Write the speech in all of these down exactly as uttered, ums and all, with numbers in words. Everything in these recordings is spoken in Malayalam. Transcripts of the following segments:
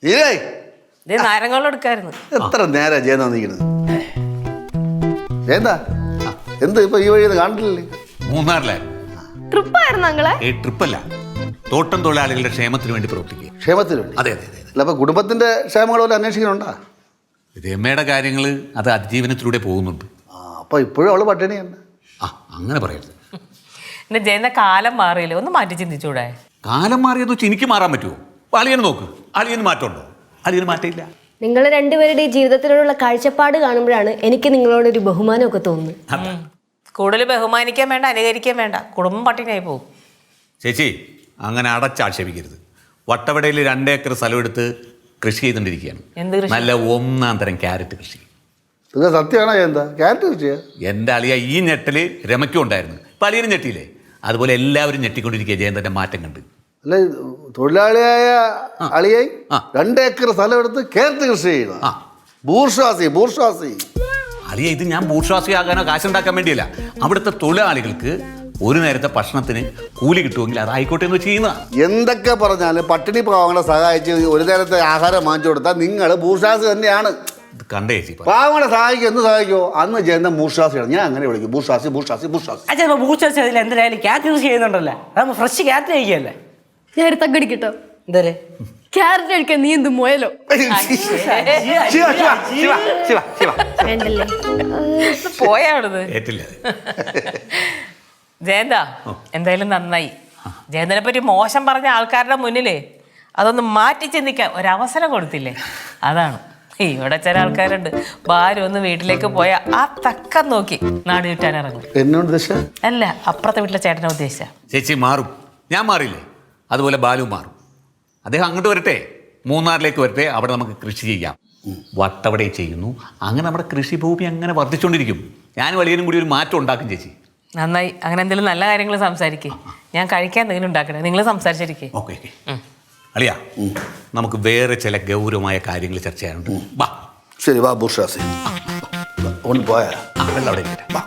നാരങ്ങളും എടുക്കായിരുന്നു. എത്ര നേരം ജയന്ത വന്നിരിക്കുന്നത്? ജയന്ത എന്ത് ഇപ്പൊ ഈ വഴി കാണില്ലേ? മൂന്നാറിലായിരുന്നു. ട്രിപ്പായിരുന്നു അങ്ങളെ? ഏ ട്രിപ്പല്ല, തോട്ടം തൊഴിലാളികളുടെ ക്ഷേമത്തിന് വേണ്ടി പ്രവർത്തിക്കുക. ക്ഷേമത്തിന് വേണ്ടി? അതെ അതെ അതെ. അല്ല അപ്പൊ കുടുംബത്തിന്റെ ക്ഷേമങ്ങൾ പോലെ അന്വേഷിക്കണുണ്ടാ? രമയുടെ കാര്യങ്ങൾ അത് അതിജീവനത്തിലൂടെ പോകുന്നുണ്ട്. ആ അപ്പൊ ഇപ്പോഴും അവള് പട്ടിണിയാണ്. ആ അങ്ങനെ പറയരുത്. എന്റെ ജയന്ത കാലം മാറിയില്ലേ, ഒന്ന് മാറ്റി ചിന്തിച്ചൂടെ? കാലം മാറിയെന്ന് വെച്ചാൽ എനിക്ക് മാറാൻ പറ്റുമോ? അപ്പൊ അളിയന് നോക്ക്, അളിയന് മാറ്റമുണ്ടോ? അളിയന് മാറ്റമില്ല. നിങ്ങൾ രണ്ടുപേരുടെ ജീവിതത്തിനോടുള്ള കാഴ്ചപ്പാട് കാണുമ്പോഴാണ് എനിക്ക് നിങ്ങളോടൊരു ബഹുമാനമൊക്കെ തോന്നുന്നത്. കൂടുതൽ ബഹുമാനിക്കാൻ വേണ്ട, അനുകരിക്കാൻ വേണ്ട, കുടുംബം പട്ടിണിയായി പോകും. ചേച്ചി അങ്ങനെ അടച്ചാക്ഷേപിക്കരുത്. വട്ടവടയിൽ രണ്ടേക്കർ സ്ഥലം എടുത്ത് കൃഷി ചെയ്തുകൊണ്ടിരിക്കുകയാണ്. എന്ത് കൃഷി? നല്ല ഒന്നാം തരം ക്യാരറ്റ് കൃഷി. ഇത് സത്യമാണോ എന്താ ക്യാരറ്റ് കൃഷിയാ? എൻ്റെ അളിയ ഈ ഞെട്ടല് രമയ്ക്കും ഉണ്ടായിരുന്നു, ഇപ്പം അളിയനും ഞെട്ടിയില്ലേ? അതുപോലെ എല്ലാവരും ഞെട്ടിക്കൊണ്ടിരിക്കുക ജയന്തൻ്റെ മാറ്റം കണ്ട്. അല്ല തൊഴിലാളിയായ അളിയായി രണ്ടേക്കർ സ്ഥലം എടുത്ത് ക്യാരറ്റ് കൃഷി ചെയ്യണം. ബൂർഷ്വാസി ബൂർഷ്വാസി അളിയ ഇത് ഞാൻ ബൂർഷ്വാസിയാകാനോ കാശുണ്ടാക്കാൻ വേണ്ടിയല്ല. അവിടുത്തെ തൊഴിലാളികൾക്ക് ഒരു നേരത്തെ ഭക്ഷണത്തിന് കൂലി കിട്ടുമെങ്കിൽ അതായിക്കോട്ടെ എന്ന് ചെയ്യുന്ന. എന്തൊക്കെ പറഞ്ഞാലും പട്ടിണി പാവങ്ങളെ സഹായിച്ച് ഒരു നേരത്തെ ആഹാരം വാങ്ങിച്ചു കൊടുത്താൽ നിങ്ങൾ ബൂർഷ്വാസി തന്നെയാണ്. ഇത് കണ്ടേ ചേച്ചി, പാവങ്ങളെ സഹായിക്കും. എന്ന് സഹായിക്കുമോ? അന്ന് ജയന്ത ബൂർഷ്വാസിയാണ്. ഞാൻ അങ്ങനെ വിളിക്കും, ബൂർഷ്വാസി ബൂർഷ്വാസി ബൂർഷ്വാസി. അച്ഛാ ബൂർഷ്വാസി അതിൽ എന്തായാലും ക്യാരറ്റ് കൃഷി ചെയ്യുന്നുണ്ടല്ലേ? അതാകുമ്പോൾ ഫ്രഷ് ക്യാരറ്റ് കഴിക്കുകയല്ലേ? ഞാൻ ഒരു തగ్గടിക്കട്ടോ? എന്തേ ക്യാരറ്റ് കഴിക്കാൻ നീ എന്ത് മുയലോ? വേണ്ടല്ലേ പോയാണത് ഏറ്റില്ല. ജയന്ത എന്തായാലും നന്നായി. ജയന്തനെ പറ്റി മോശം പറഞ്ഞ ആൾക്കാരുടെ മുന്നിലേ അതൊന്ന് മാറ്റി ചിന്തിക്കാൻ ഒരവസരം കൊടുത്തില്ലേ, അതാണ്. ഇവിടെ ചില ആൾക്കാരുണ്ട്, ഭാര്യ ഒന്ന് വീട്ടിലേക്ക് പോയാൽ ആ തക്കം നോക്കി നാട് ചുറ്റാൻ ഇറങ്ങും. എന്നോട് ദശ അല്ല, അപ്പുറത്തെ വീട്ടിലെ ചേട്ടനെ ഉദ്ദേശിച്ച. ചേച്ചി മാറും, ഞാൻ മാറിയില്ലേ? അതുപോലെ ബാലു മാറും. അദ്ദേഹം അങ്ങോട്ട് വരട്ടെ, മൂന്നാറിലേക്ക് വരട്ടെ, അവിടെ നമുക്ക് കൃഷി ചെയ്യാം. വട്ടവടെ ചെയ്യുന്നു, അങ്ങനെ നമ്മുടെ കൃഷിഭൂമി അങ്ങനെ വർദ്ധിച്ചുകൊണ്ടിരിക്കും. ഞാൻ വലിയനും കൂടി ഒരു മാറ്റം ഉണ്ടാക്കും ചേച്ചി. നന്നായി. അങ്ങനെ എന്തെങ്കിലും നല്ല കാര്യങ്ങൾ സംസാരിക്കേ. ഞാൻ കഴിക്കാൻ എന്തെങ്കിലും ഉണ്ടാക്കണേ, നിങ്ങൾ സംസാരിച്ചിരിക്കേ. Okay okay. അളിയാ, നമുക്ക് വേറെ ചില ഗൗരവമായ കാര്യങ്ങൾ ചർച്ച ചെയ്യാനുണ്ട്. വാ. ശരി വാ ബൂർഷ്വാസി. ഒന്ന് പോയാ വെള്ളം അവിടെ ഇരിക്കട്ടെ. വാ.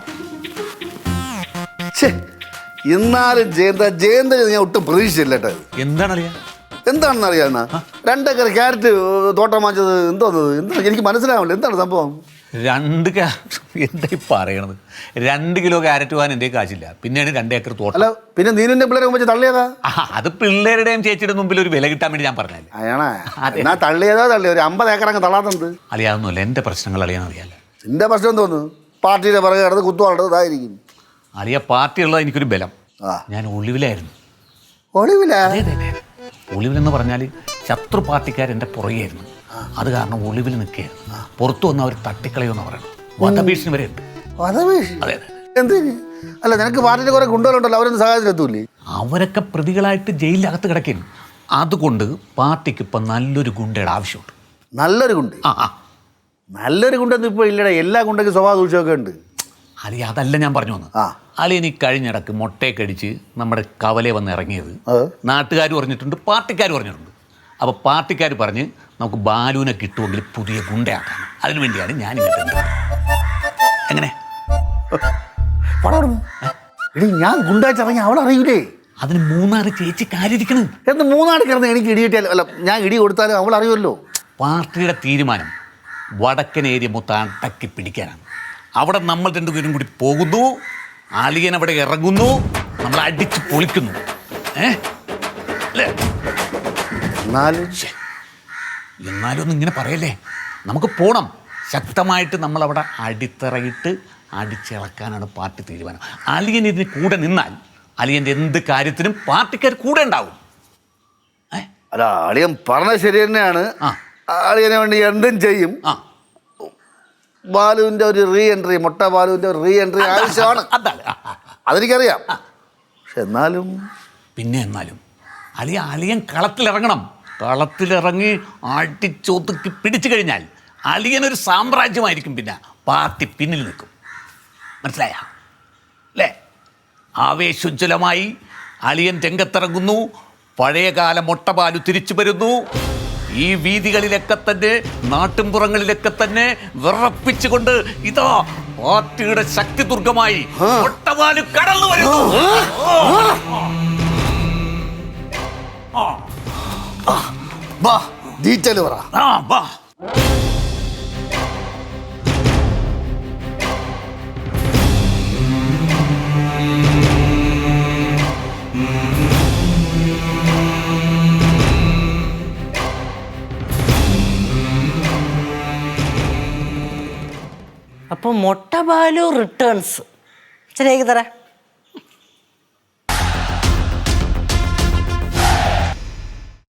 എന്നാലും ജയന്ത ജയന്ത ഞാൻ ഒട്ടും പ്രതീക്ഷിച്ചില്ല കേട്ടോ. എന്താണ് അളിയാ? എന്താണെന്ന് അറിയാവുന്ന രണ്ടേക്കർ ക്യാരറ്റ് തോട്ടം വാങ്ങിച്ചത് എന്തോന്നത്? എന്താ എനിക്ക് മനസ്സിലാവില്ല, എന്താണ് സംഭവം? രണ്ട് എന്തായി പറയണത്? രണ്ട് കിലോ ക്യാരറ്റ് പോകാൻ എൻ്റെ കാശില്ല, പിന്നെയാണ് രണ്ട് ഏക്കർ തോട്ടം. അല്ല പിന്നെ നീനിന്റെ പിള്ളേരെ വെച്ച് തള്ളിയതാ? അത് പിള്ളേരുടെയും ചേച്ചിയുടെ മുമ്പിൽ ഒരു വില കിട്ടാൻ വേണ്ടി ഞാൻ പറഞ്ഞാല്. അയാണാ എന്നാ തള്ളിയതോ തള്ളി ഒരു അമ്പത് ഏക്കർ അങ്ങ് തള്ളാത്തത്. അളിയാതൊന്നുമല്ല, എൻ്റെ പ്രശ്നങ്ങൾ അളിയാന്ന് അറിയാലോ. നിന്റെ പ്രശ്നം തോന്നുന്നു പാർട്ടിയുടെ പിറകെ കിടന്ന് കുത്തുവാളത് ഇതായിരിക്കും. അളിയ പാർട്ടിയുള്ളത് എനിക്കൊരു ബലം. ആ ഞാൻ ഒളിവിലായിരുന്നു. ഒളിവില? ഒളിവിലെന്ന് പറഞ്ഞാൽ ശത്രു പാർട്ടിക്കാരെൻ്റെ പുറകെയായിരുന്നു. അത് കാരണം ഒളിവിൽ നിൽക്കുകയായിരുന്നു. പുറത്തു വന്ന് അവർ തട്ടിക്കളയുമെന്ന് പറയണം. വധഭീഷണി വരെ ഉണ്ട്. വധഭീഷണി? അതെ. എന്തിന്? അല്ല നിനക്ക് പാർട്ടിയിൽ കുറെ ഗുണ്ടകളുണ്ടല്ലോ, അവരൊന്നും സഹായത്തിലെത്തൂല്ലേ? അവരൊക്കെ പ്രതികളായിട്ട് ജയിലിനകത്ത് കിടക്കും. അതുകൊണ്ട് പാർട്ടിക്ക് ഇപ്പം നല്ലൊരു ഗുണ്ടയുടെ ആവശ്യമുണ്ട്. നല്ലൊരു ഗുണ്ട? ആ ആ നല്ലൊരു ഗുണ്ടൊന്നും ഇപ്പോൾ ഇല്ലടാ. എല്ലാ ഗുണ്ടയ്ക്കും സ്വഭാവ ദൂഷ്യമൊക്കെ ഉണ്ട്. അലി അതല്ല ഞാൻ പറഞ്ഞു വന്നത്. അലി ഇനി കഴിഞ്ഞിടക്ക് മുട്ടയൊക്കെ നമ്മുടെ കവലയെ വന്ന് ഇറങ്ങിയത് നാട്ടുകാർ പറഞ്ഞിട്ടുണ്ട്, പാർട്ടിക്കാർ പറഞ്ഞിട്ടുണ്ട്. അപ്പോൾ പാർട്ടിക്കാർ പറഞ്ഞ് നമുക്ക് ബാലുവിനെ കിട്ടുമെങ്കിൽ പുതിയ ഗുണ്ടയാക്കാം. അതിനു വേണ്ടിയാണ് ഞാൻ ഇങ്ങോട്ട്. എങ്ങനെ എടി ഞാൻ ഗുണ്ടാച്ചിറങ്ങി അവൾ അറിയൂലേ? അതിന് മൂന്നാറ് ചേച്ചി കാര്യിരിക്കണം. എന്ന് മൂന്നാട് കിടന്ന് എനിക്ക് ഇടി കിട്ടിയാലും അല്ല ഞാൻ ഇടി കൊടുത്താലും അവൾ അറിയുമല്ലോ. പാർട്ടിയുടെ തീരുമാനം വടക്കൻ ഏരിയ മൊത്തം അടക്കി പിടിക്കാനാണ്. അവിടെ നമ്മൾ രണ്ടുപേരും കൂടി പോകുന്നു, അളിയൻ അവിടെ ഇറങ്ങുന്നു, നമ്മൾ അടിച്ച് പൊളിക്കുന്നു. ഏ അല്ലേ? എന്നാലും എന്നാലും ഒന്നും ഇങ്ങനെ പറയല്ലേ. നമുക്ക് പോണം. ശക്തമായിട്ട് നമ്മളവിടെ അടിത്തറയിട്ട് അടിച്ചിളക്കാനാണ് പാർട്ടി തീരുമാനം. അളിയൻ ഇതിന് കൂടെ നിന്നാൽ അളിയൻ്റെ എന്ത് കാര്യത്തിനും പാർട്ടിക്കാർ കൂടെ ഉണ്ടാവും. അല്ല അളിയൻ പറഞ്ഞത് ശരി തന്നെയാണ്. അളിയനെ വേണ്ടി എന്തും ചെയ്യും. ആ ബാലുവിൻ്റെ ഒരു റീ എൻട്രി, മുട്ട ബാലുവിൻ്റെ ഒരു റീ എൻട്രി ആവശ്യമാണ്. അതെനിക്കറിയാം. പക്ഷെ എന്നാലും പിന്നെ എന്നാലും അളിയ അളിയൻ കളത്തിലിറങ്ങണം. കളത്തിലിറങ്ങി അടിച്ചൊതുക്കി പിടിച്ചു കഴിഞ്ഞാൽ അളിയനൊരു സാമ്രാജ്യമായിരിക്കും. പിന്നെ പാർട്ടി പിന്നിൽ നിൽക്കും. മനസ്സിലായ അല്ലേ? ആവേശോജ്വലമായി അളിയൻ രംഗത്തിറങ്ങുന്നു. പഴയകാല മുട്ടപാലു തിരിച്ചു വരുന്നു. ഈ വീതികളിലൊക്കെ തന്നെ നാട്ടിൻപുറങ്ങളിലൊക്കെ തന്നെ വിറപ്പിച്ചുകൊണ്ട് ഇതാ പാർട്ടിയുടെ ശക്തി ദുർഗമായി മുട്ടപാലു കടന്നു വരുന്നു. ഡീറ്റെയിൽ പറ. ആ വാ. അപ്പൊ മൊട്ട ബാലു റിട്ടേൺസ് ശരിയാക്കി തരാം.